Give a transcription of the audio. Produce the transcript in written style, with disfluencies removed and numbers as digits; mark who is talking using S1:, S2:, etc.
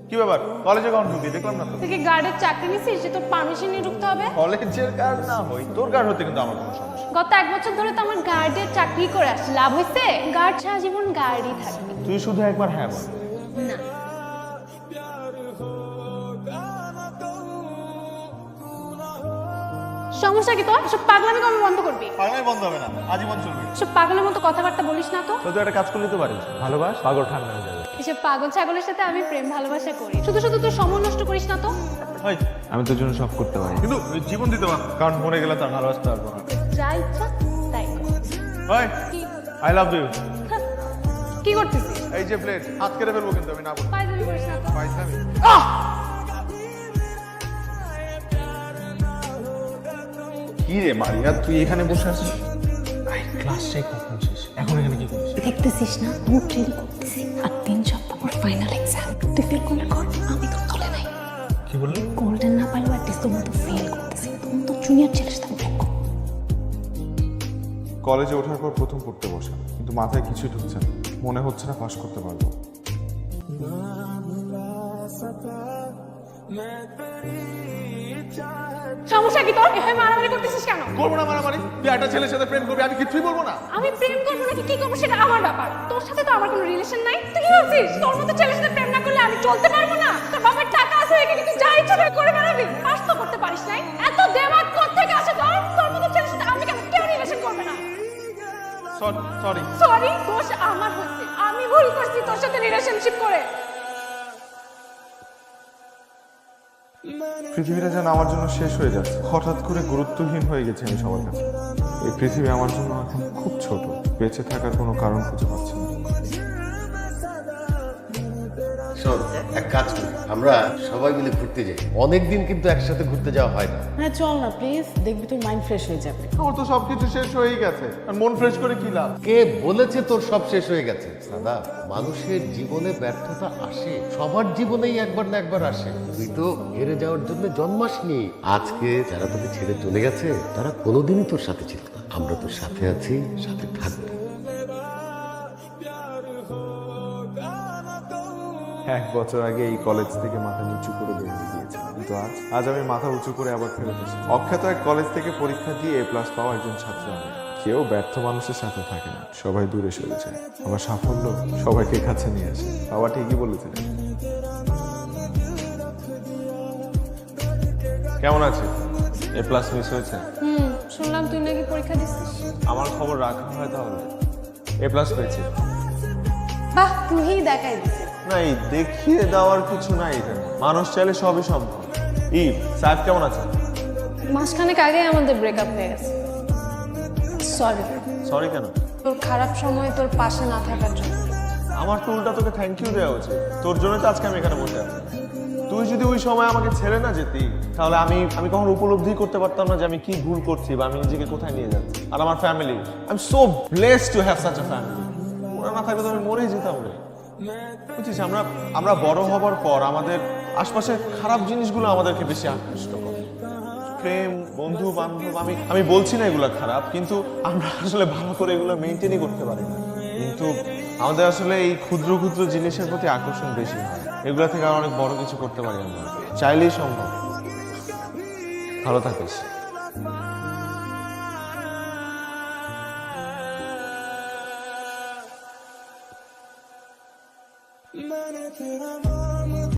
S1: কি ব্যাপার কলেজে কখন ঢুকবি দেখলাম না তো
S2: তুই কি গার্ডের চাকরি নিছিস যে তোর পারমিশন নিয়ে ঢুকতে হবে?
S1: কলেজের গার্ড না হই তোর গার্ড হতে কিন্তু আমার কোনো সমস্যা
S2: গত 1 বছর ধরে তো আমার গার্ডের চাকরি করে আসছি, লাভ হয়েছে? গার্ড সারা জীবন গার্ডই থাকবে।
S1: তুই শুধু একবার হ্যাঁ বল
S2: না সমস্যা কি তোর? সব পাগলামি কবে বন্ধ করবি?
S1: পাগলাই বন্ধ হবে না আজীবন চলবে
S2: সব পাগলের মতো কথাবার্তা বলিস না তো।
S1: তো তুই একটা কাজ করলে তো পারিস ভালোবাস পাগল ঠান্ডা হয়ে যাবে
S2: এসব পাগল ছাগলের সাথে আমি প্রেম ভালোবাসা করি, শুধু শুধু তুই সময় নষ্ট করিস না তো।
S1: আমি তোর জন্য সব করতে পারি কিন্তু জীবন দিতে পারবো না, কারণ মরে গেলে তার ভালোবাসতে পারবো না
S2: যা ইচ্ছা তাই কর। কি?
S1: আই লাভ ইউ
S2: কি করতেছিস?
S1: এই যে প্লেট হাত কেটে ফেলবো কিন্তু আমি না বলবো
S2: পায়জামি করিস না তো।
S1: পাইছামি কি রে মারিয়া তুই এখানে বসে আছিস ক্লাস শেষ কখন শেষ এখন এখানে কি করছিস
S2: দেখতেছিস না মুখ রেডি করতেছি, আর 3 সপ্তাহ পর ফাইনাল এক্সাম। তুই ফেল করলে কর, আমি তো চলে নাই।
S1: কি বললি
S2: গোল্ডেন না পাইলেও অ্যাটলিস্ট তোর মতো ফেল করতেছি, তোর তো জুনিয়র ছেলের সাথে ব্রেক কর।
S1: কলেজে ওঠার পর প্রথম পড়তে বসা কিন্তু মাথায় কিছুই ঢুকছে না মনে হচ্ছে না পাস করতে পারবো
S2: সমস্যা কি তোর? এভাবে মারামারি করতেছিস কেন?
S1: করবো না মারামারি তুই একটা ছেলের সাথে প্রেম করবি আমি কিছুই বলবো না
S2: আমি প্রেম করবো নাকি কি করবো সেটা আমার ব্যাপার, তোর সাথে তো আমার কোনো রিলেশন নাই। তুই কি ভাবছিস তোর মতো ছেলের সাথে প্রেম না করলে আমি চলতে পারবো না? তোর বাবার টাকা আছে এখানে তুই যা ইচ্ছা তাই করে বেড়াবি, পাস তো করতে পারিস নাই। এত দেমাগ কোত্থেকে আসে তোর? তোর মতো ছেলের সাথে আমি কেন, কেউ রিলেশন করবে না।
S1: সরি
S2: সরি, দোষ আমার হয়েছে, আমি ভুল করছি তোর সাথে রিলেশনশিপ করে।
S1: পৃথিবীটা যেন আমার জন্য শেষ হয়ে যাচ্ছে হঠাৎ করে গুরুত্বহীন হয়ে গেছে আমি সবার কাছে এই পৃথিবী আমার জন্য এখন খুব ছোট বেঁচে থাকার কোনো কারণ খুঁজে পাচ্ছি না
S3: শোন এক কাজ করি আমরা সবাই মিলে ঘুরতে যাই অনেকদিন কিন্তু একসাথে ঘুরতে যাওয়া হয় না
S4: হ্যাঁ চল না প্লিজ, দেখবি তোর মাইন্ড ফ্রেশ হয়ে যাবে।
S1: আমার তো সবকিছু শেষ হয়েই গেছে আর মন ফ্রেশ করে কি লাভ
S3: কে বলেছে তোর সব শেষ হয়ে গেছে দাদা মানুষের জীবনে ব্যর্থতা আসে সবার জীবনেই একবার না একবার আসে তুই তো হেরে যাওয়ার জন্য জন্মাসনি আজকে যারা তোকে ছেড়ে চলে গেছে তারা কোনোদিনই তোর সাথে ছিল না আমরা তোর সাথে আছি সাথে থাকবো
S1: 1 বছর আগে এই কলেজ থেকে মাথা নিচু করে বেরিয়ে গিয়েছে কিন্তু আজ আমি মাথা উঁচু করে আবার ফেরত এসেছি অখ্যাত এক কলেজ থেকে পরীক্ষা দিয়ে A+ পাওয়া একজন ছাত্র আমি কেউ ব্যর্থ মানুষের সাথে থাকে না সবাই দূরে সরে যায় আমার সাফল্য সবাইকে কাছে নিয়ে আসে বাবা ঠিকই বলেছিলেন কেমন আছিস A+ মিস হয়েছে
S2: শুনলাম তুই নাকি পরীক্ষা দিছিস।
S1: আমার খবর রাখা হয় তাহলে A+ পেয়েছি
S2: বাহ, তুই দেখাই দিছিস।
S1: না এই দেখিয়ে দেওয়ার কিছু নাই এখানে মানুষ চাইলে সবই সম্ভব সাহেব কেমন আছে
S2: মাসখানেক আগে আমাদের ব্রেকআপ হয়ে গেছে। সরি,
S1: সরি কেন
S2: তোর খারাপ সময় তোর পাশে না থাকার জন্য।
S1: আমার তো উল্টা তোকে থ্যাংক ইউ দেওয়া উচিত তোর জন্য তো আজকে আমি এখানে বসে আছি তুই যদি ওই সময় আমাকে ছেড়ে না যেতি তাহলে আমি কখনো উপলব্ধি করতে পারতাম না যে আমি কি ভুল করছি বা আমি নিজেকে কোথায় নিয়ে যাচ্ছি আর আমার family I am so blessed to have such a family ওরা না থাকলে তো আমি মরেই যেতাম রে বুঝছিস আমরা বড় হবার পর আমাদের আশপাশের খারাপ জিনিসগুলো আমাদেরকে বেশি আকৃষ্ট করে প্রেম বন্ধু বান্ধব আমি বলছি না এগুলো খারাপ কিন্তু আমরা আসলে ভালো করে এগুলো মেনটেনই করতে পারি না কিন্তু আমাদের আসলে এই ক্ষুদ্র ক্ষুদ্র জিনিসের প্রতি আকর্ষণ বেশি হয় এগুলো থেকে আর অনেক বড় কিছু করতে পারি আমরা চাইলেই সম্ভব ভালো থাকিস
S5: मैंने तेरा